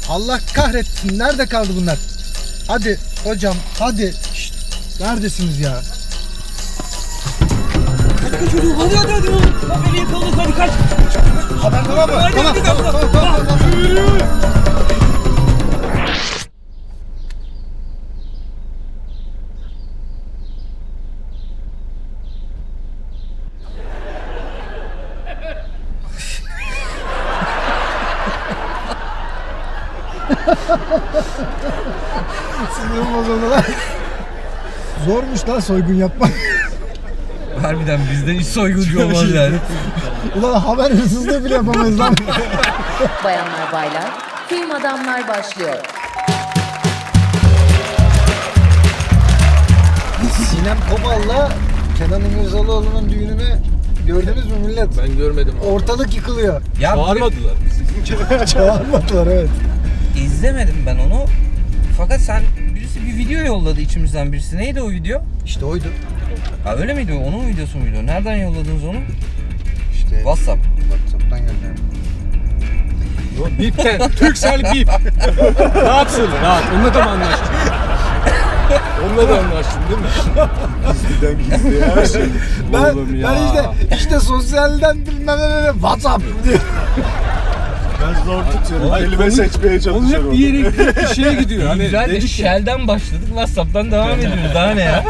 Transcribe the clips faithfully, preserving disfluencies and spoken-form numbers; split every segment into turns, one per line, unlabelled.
Allah kahretsin. Nerede kaldı bunlar? Hadi hocam hadi. Şşt, neredesiniz ya?
Kaç kaç çocuğum hadi hadi hadi oğlum. Haberi yakaladık hadi kaç.
Haber tamam mı?
Hadi,
Tamam
hadi,
tamam
hadi.
tamam tamam. tamam. Sinirim bozuldu lan. Zormuş lan soygun yapmak.
Harbiden bizden hiç soyguncu olmaz yani.
Ulan haber hırsızlığı bile yapamayız lan.
Bayanlar baylar, film adamlar başlıyor.
Sinem Kobal'la Kenan İmirzalıoğlu'nun düğününü gördünüz mü millet?
Ben görmedim.
Ortalık yıkılıyor.
Ya
Bağırmadılar.
Çağırmadılar evet.
izlemedim ben onu. Fakat sen birisi bir video yolladı içimizden birisi. Neydi o video?
İşte oydu.
Ha öyle miydi o? Onun videosu muydu? Nereden yolladınız onu?
İşte
WhatsApp.
WhatsApp'tan gönderdim.
Bipten. Türksel bip. Rahat söyle rahat. Onunla da mı anlaştın? Onunla da anlaştın değil mi? Gizliden gizliye her şey.
Ben,
Oğlum ya.
ben işte işte sosyalden bilmem ne ne WhatsApp diye.
Ben zor tutuyorum.
Ay,
Kelime
konu-
seçmeye
Onun
çalışıyorum.
hep bir yere gidiyor, bir şeye gidiyor. Hani
Güzel de
dedik ki,
Shell'den başladık. WhatsApp'tan devam ediyoruz. Daha ne ya?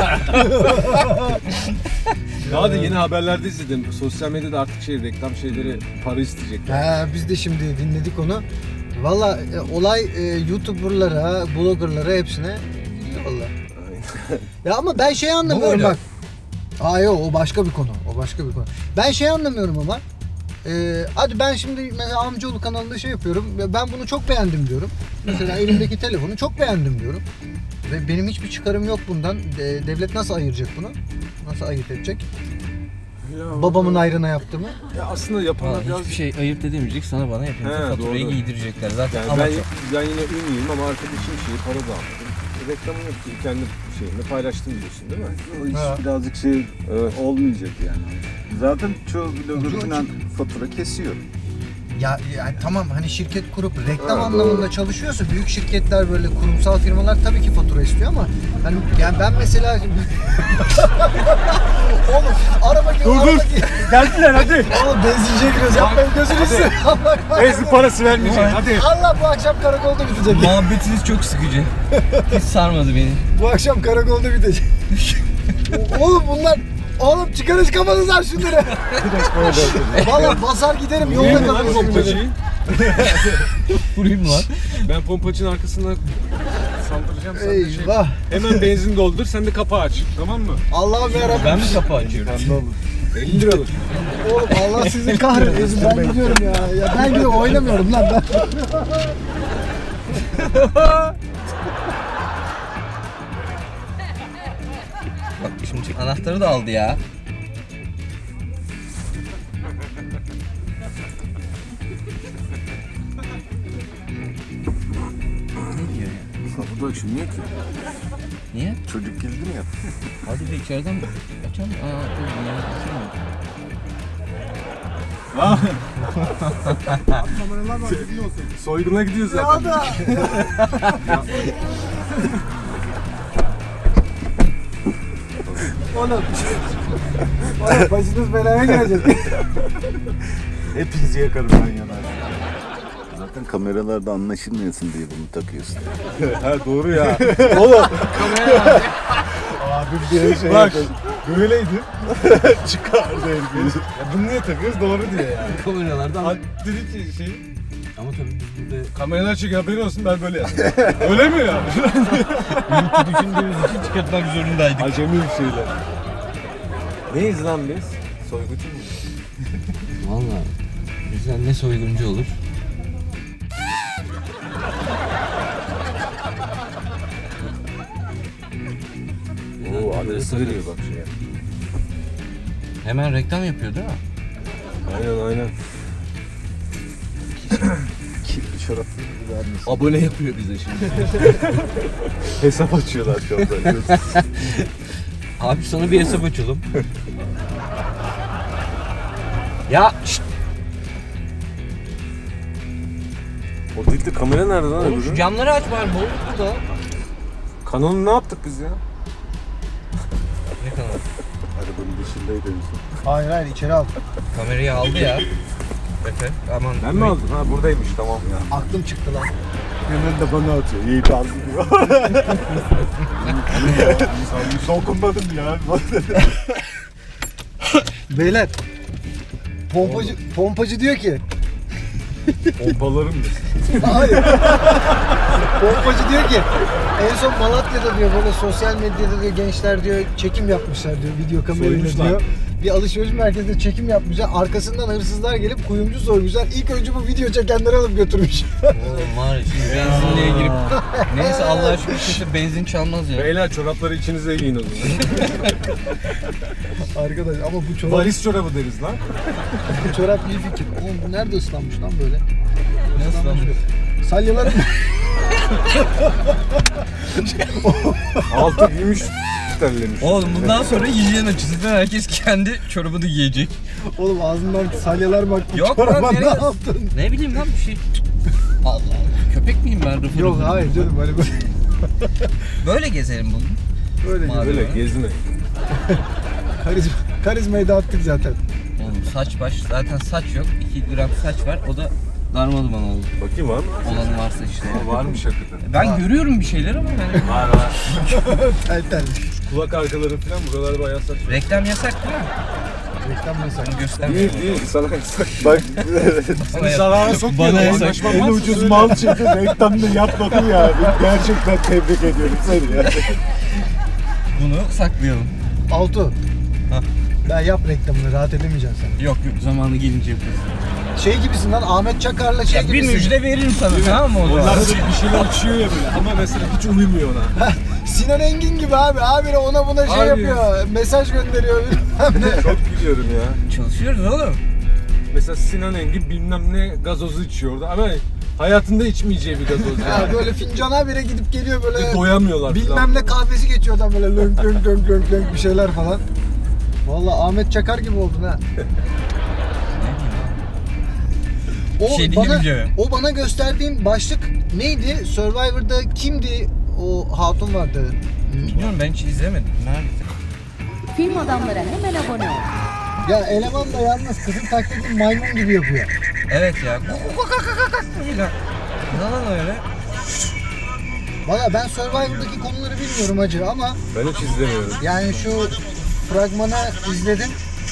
daha da yeni haberlerde izledim. Sosyal medyada artık şey reklam şeyleri para isteyecekler.
Ha, biz de şimdi dinledik onu. Valla e, olay e, YouTuber'lara, blogger'lara hepsine gidiyor valla. Ya ama ben şey anlamıyorum
öyle?
bak. Aa yok o başka bir konu. O başka bir konu. Ben şey anlamıyorum ama. E, hadi ben şimdi mesela Amcaoğlu kanalında şey yapıyorum. ve Ben bunu çok beğendim diyorum. Mesela elimdeki telefonu çok beğendim diyorum. Ve benim hiçbir çıkarım yok bundan. De, devlet nasıl ayıracak bunu? Nasıl ayırt edecek?
Ya,
Babamın ayrına yaptığımı.
Ya aslında yapanlar
Vallahi
biraz...
hiçbir şey ayırt edemeyecek. Sana bana hepimize
He,
faturayı
doğru.
giydirecekler. Zaten
Yani
ama
ben,
çok.
ben yine ünlüyüm ama arkadaşım şeyi para da almadım. Reklamını yaptım, kendi şeyimle paylaştım diyorsun değil mi?
O iş
Ha.
birazcık şey
Evet.
olmayacak yani. Zaten çoğu blogger falan fatura kesiyor.
Ya yani tamam hani şirket kurup reklam
Ha,
anlamında
doğru.
çalışıyorsa büyük şirketler böyle kurumsal firmalar tabii ki fatura istiyor ama hani yani ben mesela oğlum araba gibi
Dur,
araba
dur.
gibi.
Geldiler hadi.
Oğlum benzinciye giriyoruz yapmayın gözünü seveyim. Allah
Benzin parası vermeyeceksin hadi.
Allah bu akşam karakolda bitecek.
Muhabbetiniz çok sıkıcı. Hiç sarmadı beni.
Bu akşam karakolda bitecek. Oğlum bunlar Oğlum çıkarız kafanızdan şunları. Valla basar giderim yolda
Vurayım mı lan
kalırız.
pompacıyı?
Vurayım lan.
Ben pompacının arkasına saldıracağım sana şey.
Eyvah.
Hemen benzin doldur, sen de kapağı aç. Tamam mı?
Allah'ım yarabbim.
Ben mi kapı açıyorum?
elli liralık.
Oğlum Allah sizi kahretsin ben gidiyorum ya. Ya ben gidiyorum oynamıyorum lan ben.
Bak şimdi anahtarı da aldı ya. Ne diyor ya?
Kapı da açılmıyor ki.
Niye?
Çocuk girdi mi ya?
Hadi bir içeriden açalım. Aa, dur, ya, açalım.
Soyguna gidiyor zaten.
da. Oğlum. Oğlum başınız belaya girecek.
Hepinizi yakarım ben yanar. Zaten kameralarda anlaşılmıyorsun diye bunu takıyorsun.
Ha doğru ya.
Abi bir şey
Bak.
Böyleydi. Çıkardı herkes.
Ya bunu niye takıyoruz? Doğru diye yani.
Kameralardan.
Ha, dedi ki şey,
Ama tabii biz burada
kameralar çekiyor haberin olsun ben böyle yaptım. Öyle mi ya?
ülke düşündüğümüz için çıkartmak zorundaydık.
Acemi bir şeyler. Neyiz lan biz? Soygucu muyuz?
Valla bizden ne soyguncu olur?
Oo adresi veriyor bak şeye.
Hemen reklam yapıyor değil mi?
Aynen aynen.
Kirli çoraplı gibi vermesin.
Abone yapıyor bize şimdi.
Hesap açıyorlar şu anda.
Abi sana bir hesap açalım. Ya şşt.
O değil de kamera nerede lan
Oğlum şu
öbürü?
camları aç bari, boğuluk burada.
Kanonu ne yaptık biz ya?
Ne kadar?
Arabanın dışındaydı en son.
Hayır hayır içeri al.
Kamerayı aldı ya. Efe aman.
Ben mi aldım? Ha buradaymış tamam.
Aklım çıktı lan.
Hemen de bana atıyor. İyi kaldı diyor. Dokunmadım ya.
Beyler. Pompacı, pompacı diyor ki.
Pompalarım mı?
Hayır. Pompacı diyor ki en son Malatya'da diyor böyle sosyal medyada diyor gençler diyor çekim yapmışlar diyor video kamerayla
Soymuşlar.
diyor. Bir alışveriş merkezinde çekim yapmışlar. Arkasından hırsızlar gelip kuyumcu soymuşlar. İlk önce bu video çekenleri alıp götürmüş.
Oğlum var ya şimdi benzinliğe girip. Neyse Allah'a şükür kimse benzin çalmaz ya.
Beyler çorapları içinize giyin o zaman.
Arkadaş ama bu çorap,
Valiz çorabı deriz lan.
bu çorap iyi fikir. Oğlum bu nerede ıslanmış lan böyle?
Nasıl lan?
Salyalarım
Altı giymiş terlemiş.
Oğlum bundan sonra hijyen açısından herkes kendi çorabını giyecek.
Oğlum ağzından salyalar bak. Bu
Yok
çoraba
lan,
ne
nereye-
yaptın?
Ne bileyim lan bir şey. Allah Allah. Köpek miyim ben? Rıfır
Yok
rıfır.
hayır canım hani böyle
Böyle gezelim bugün.
böyle
Mavi.
Böyle gezme.
karizma, karizmayı dağıttık zaten.
Oğlum saç baş zaten saç yok. iki gram saç var. O da darmaduman oldu.
Bakayım var mı?
Olanı varsa işte.
Aa, varmış hakikaten.
Ben görüyorum bir şeyler ama yani.
Var var.
Tel tel.
Kulak arkaları falan buralar bayağı saç.
Reklam yasak değil mi?
Reklam yasak.
Onu göstermiyorum.
Değil değil sana yasak.
Bak
Bana yasak.
Zarara sokmuyor.
Bana yasak.
Anlaşmam
en
varsa
ucuz
söyle.
mal çıktı. Reklamını yapmadın ya. Gerçekten tebrik ediyorum seni ya.
Bunu saklayalım.
Altu.
Hah.
Ben yap reklamını rahat edemeyeceksin sen.
Yok yok zamanı gelince yaparız.
Şey gibisin lan Ahmet Çakar'la şey
Ya bir
gibisin.
müjde veririm sana tamam mı o zaman?
Onlar böyle bir şeyler uçuyor ya böyle ama mesela hiç uymuyor ona.
Sinan Engin gibi abi. Abi ona buna şey
Abi.
yapıyor. Mesaj gönderiyor bilmem ne.
Çok gülüyorum ya.
Çalışıyoruz oğlum.
Mesela Sinan Engin bilmem ne gazozu içiyordu ama hayatında içmeyeceği bir gazoz.
Ya
Yani.
böyle fincana bire gidip geliyor böyle.
Doyamıyorlar
Bilmem
falan.
ne kahvesi geçiyor adam böyle lönk lönk lönk lönk lönk bir şeyler falan. Vallahi Ahmet Çakar gibi oldun ha. O
Şey
bana,
diyemeyeceğim.
o bana gösterdiğin başlık neydi? Survivor'da kimdi o hatun vardı?
Bilmiyorum ben hiç izlemedim. Nerede?
Film adamlara hemen abone ol.
Ya eleman da yalnız kızın taklidini maymun gibi yapıyor.
Evet ya. Ne lan öyle?
Valla ben Survivor'daki konuları bilmiyorum hacı ama
Ben hiç izlemiyorum.
yani şu fragmanı izledim.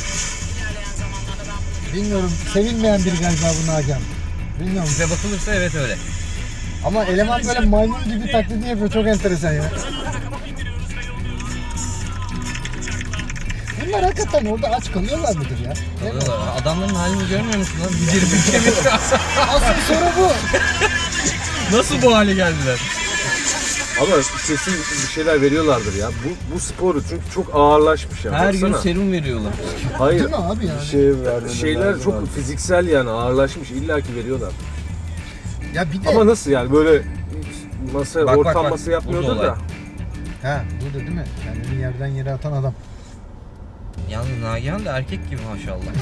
Bilmiyorum sevilmeyen biri galiba bu Nagihan. Bilmiyorum
Bize bakılırsa evet öyle.
ama eleman böyle maymun gibi taklidi yapıyor çok enteresan ya. Bunlar hakikaten orada aç kalıyorlar mıdır ya? Değil mi?
Kalıyorlar. Adamların halini görmüyor musun lan? Bir bir kemik.
Asıl soru bu.
Nasıl bu hale geldiler?
Ama kesin bir şeyler veriyorlardır ya. Bu bu sporu çünkü çok ağırlaşmış ya.
Her gün
Baksana.
serum veriyorlar.
Hayır.
Değil mi abi yani?
Şey vermeni
Şeyler
lazım
çok
abi.
fiziksel yani ağırlaşmış illaki veriyorlar.
Ya bir de...
Ama nasıl yani böyle masa
Bak, bak,
ortam
bak.
masa yapmıyordur
Burada
da.
olay.
Ha burada değil mi? Kendini yerden yere atan adam.
Yalnız Nagihan da erkek gibi maşallah.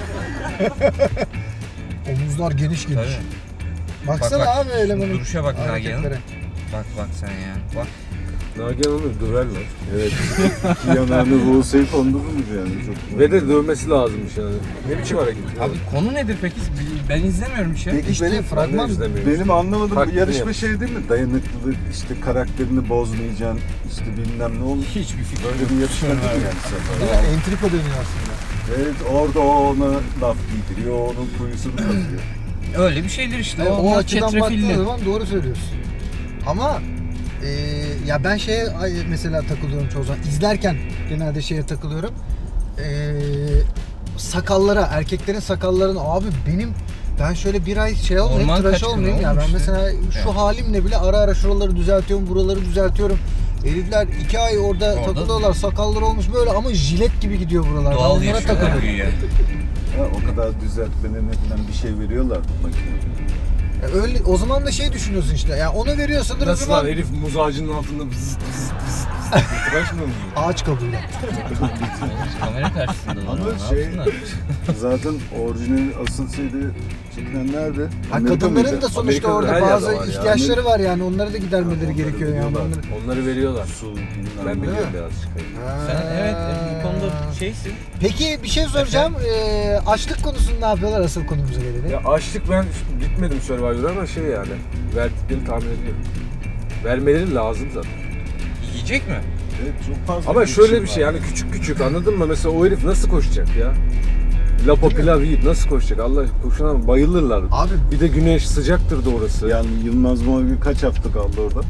Omuzlar geniş geniş.
Tabii.
Baksana
Bak, bak.
abi elemanın
Duruşa bak
hareketlere.
Nagihan'ın. Bak bak sen ya. Bak.
Nagihan onu döverler.
Evet. İki yanağını Buğsa'yı kondururmuş yani. Çok
Ve de dövmesi lazımmış yani. Ne biçim hareket ya?
Abi konu nedir peki? Ben izlemiyorum hiç ya.
Peki
İşte
benim,
fragman
Ben de izlemiyorum.
benim anlamadığım
Taklidini
bu yarışma
yap.
şey değil mi? Dayanıklılık, işte karakterini bozmayacaksın, işte bilmem ne olur.
Hiçbir fikrim yok.
Böyle bir yarışma değil mi yani sefer?
Değil mi? Entrika dönüyor aslında.
Evet, orada o ona laf giydiriyor, onun kuyusunu kazıyor.
Öyle bir şeydir işte.
Evet, o
Onlar
açıdan baktığın
çetrefilli.
zaman doğru söylüyorsun. Ama e, ya ben şeye ay- mesela takılıyorum çoğu zaman. İzlerken genelde şeye takılıyorum. E, sakallara, erkeklerin sakallarına abi benim ben şöyle bir ay şey olmayayım,
Orman
tıraş
kaçkını
olmayayım ya.
oğlum
Ben
işte.
mesela şu
Evet.
halimle bile ara ara şuraları düzeltiyorum, buraları düzeltiyorum. Herifler iki ay orada,
Orada-
takılıyorlar, sakalları olmuş böyle ama jilet gibi gidiyor buralar. Ben
Doğal
onlara
yaşıyorlar
takılıyorum.
güya.
Ha, o kadar düzeltmelerine falan bir şey veriyorlar makinede.
Ya öyle o zaman da şey düşünüyorsun işte. Ya onu veriyorsan da o
Nasıl
zaman
lan herif muz ağacının altında vız vız vız vız İtibaş mı?
Ağaç kabuğuyla.
Kamera karşısında
Ama
ne
şey-
yapsınlar?
Zaten orijinal asıl şeyde çekilenler de
Ha,
Amerika
kadınların
mıydı?
da sonuçta
Amerika'da
orada
her yerde
bazı
var ya.
ihtiyaçları var yani onları da gidermeleri
Onları
gerekiyor yani.
veriyorlar.
Onları...
Onları veriyorlar.
Su bilmem
Ben
ne.
biliyorum birazcık.
Sen evet e, bu konuda şeysin.
Peki bir şey soracağım. Ee, açlık konusunu ne yapıyorlar asıl konumuza gelelim?
Ya açlık ben gitmedim Survivor'a ama şey yani verdiklerini tahmin ediyorum. Vermeleri lazım zaten.
Yiyecek mi?
Evet, çok fazla
Ama şöyle bir
var.
şey yani küçük küçük anladın mı? Mesela o herif nasıl koşacak ya? Lapo pilav yiyip nasıl koşacak? Allah koşuna bayılırlar.
Abi
Bir de güneş sıcaktır da orası.
Yani Yılmaz Morgül kaç hafta kaldı orada?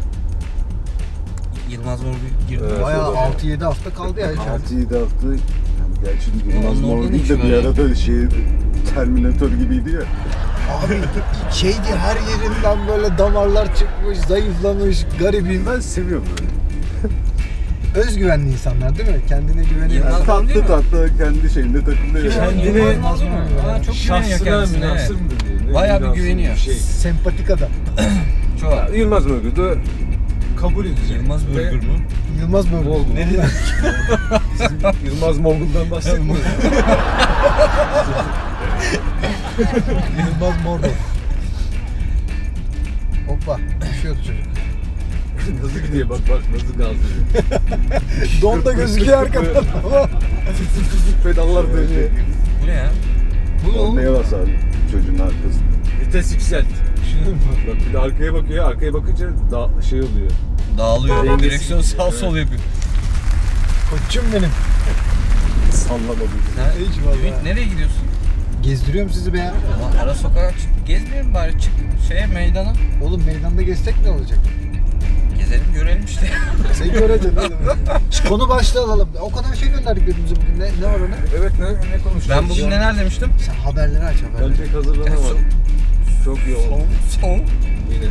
Yılmaz Morgül girdi.
Evet.
bayağı
orada.
altı yedi hafta kaldı ya içeride.
altı yedi hafta. Yani gerçi Yılmaz
Onun orada ne
Morgül
işi
de bir
var ya?
arada şey Terminator gibiydi ya.
Abi şeydi her yerinden böyle damarlar çıkmış, zayıflamış, garibim.
Ben seviyorum böyle.
Özgüvenli insanlar değil mi? Kendine güveniyor.
Yılmaz-
Yani
değil mi?
tatlı tatlı kendi şeyinde takılıyor.
Kim
Yani.
Kendine-
Yılmaz Morgül mu? Aa, çok güveniyor
Şahsına
kendisine.
münasır
Evet.
mı diyor? Ne
Bayağı bir
münasır
güveniyor.
Şey.
Sempatik adam.
Çok.
Yılmaz Morgül de kabul edecek.
Yılmaz
Ve-
Morgül mü?
Yılmaz Morgül.
Morgül.
Ne diyor?
Yılmaz Morgül'den bahsetmiyorum.
Yılmaz Morgül. Hoppa. Düşüyordu çocuk.
Nasıl gidiyor bak bak nasıl gazlıyor.
Don da gözüküyor arkadan ama.
Pedallar dönüyor.
Bu ne ya?
Bu oğlum.
Neye bas abi çocuğun arkasında?
Vites yükselt. Bak bir de arkaya bakıyor. Arkaya bakınca da şey oluyor.
Dağılıyor.
Dengesi
Direksiyon
gidiyor,
sağ
evet.
sol yapıyor.
Koçum benim.
Sallamadım.
Ha,
Hiç vallahi.
Ümit nereye gidiyorsun?
Gezdiriyorum sizi be ya.
Ama ara sokağa çık. Gezmeyelim bari çık şeye meydana.
Oğlum meydanda gezsek ne olacak?
Gezelim görelim işte.
Sen göreceksin oğlum. Şu konu başlığı alalım. O kadar şey gönderdik birbirimize bugün. Ne, ne var ona?
Evet ne, ne konuşacağız?
Ben bugün neler demiştim?
Sen haberleri aç
Ben
haberleri.
pek hazırlanamadım. Çok yoğun.
Son. Son.
Yine.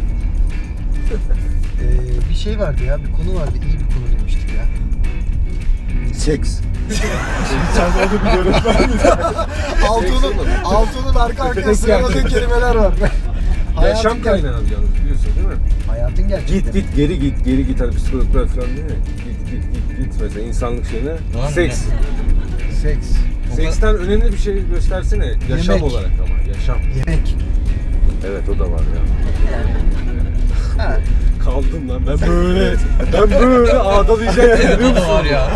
Ee, bir şey vardı ya, bir konu vardı. İyi bir konu demiştik ya.
Seks. Sen onu biliyorum ben mi?
Altun'un, Altun'un arka arkaya sıraladığı kelimeler var.
Yaşam
ger-
kaynağı yalnız biliyorsun değil mi?
Hayatın gerçekten.
Git git geri git geri git hani psikologlar falan değil mi? Git git git git mesela insanlık şeyine.
Var mı
Seks.
Seks,
Seksten önemli bir şey göstersene. Yaşam
Yemek.
olarak ama yaşam.
yemek.
Evet o da var ya.
Ha.
Kaldım lan ben böyle. ben böyle ağdalayacak
Evet
biliyor
o da
musun?
var ya.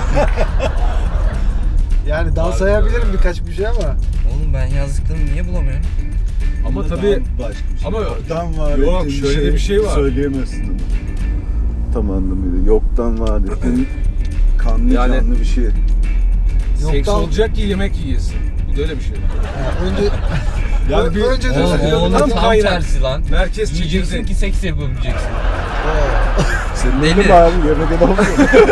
Yani daha sayabilirim birkaç bir şey ama.
Oğlum ben yazdıklarımı niye bulamıyorum?
Ama
Bunda
tabii
daha başka bir şey.
ama
Yoktan var
yok,
ettiğin
şöyle de bir şey var.
Söyleyemezsin onu. Tam anlamıyla. Yoktan var ettiğin kanlı
Yani-
canlı bir şey.
seks
Yoktan-
olacak ki yemek yiyesin. Bir de öyle bir şey.
Yani önce
Yani bir
önce de
Oğlum,
Tam
oğlum tam
kaynak.
tersi lan.
merkez
Yiyeceksin
çekirdeği.
ki seks yapabileceksin.
senin
Deli.
öyle bari yemek edemem.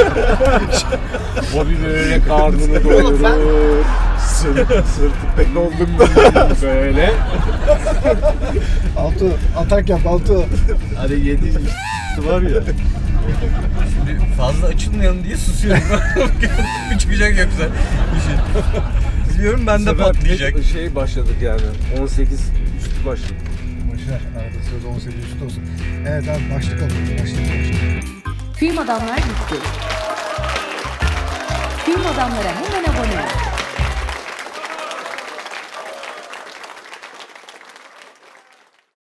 O bir böyle karnını
Oğlum ben-
doyurur.
Sırt, sırtı pek oldum.
Böyle.
Altu atak yap Altu.
Hani yedi var ya.
Şimdi fazla açılmayalım diye susuyorum. Bir çıkacak yoksa bir şey. Biliyorum ben de
Bu sefer
patlayacak.
bir Şey başladık yani. on sekiz üstü başladık.
Boşver arada sırada on sekiz üstü olsun. Evet abi başlık alalım. Başlık alalım.
Film adamlar gitti. Film adamlara hemen abone ol.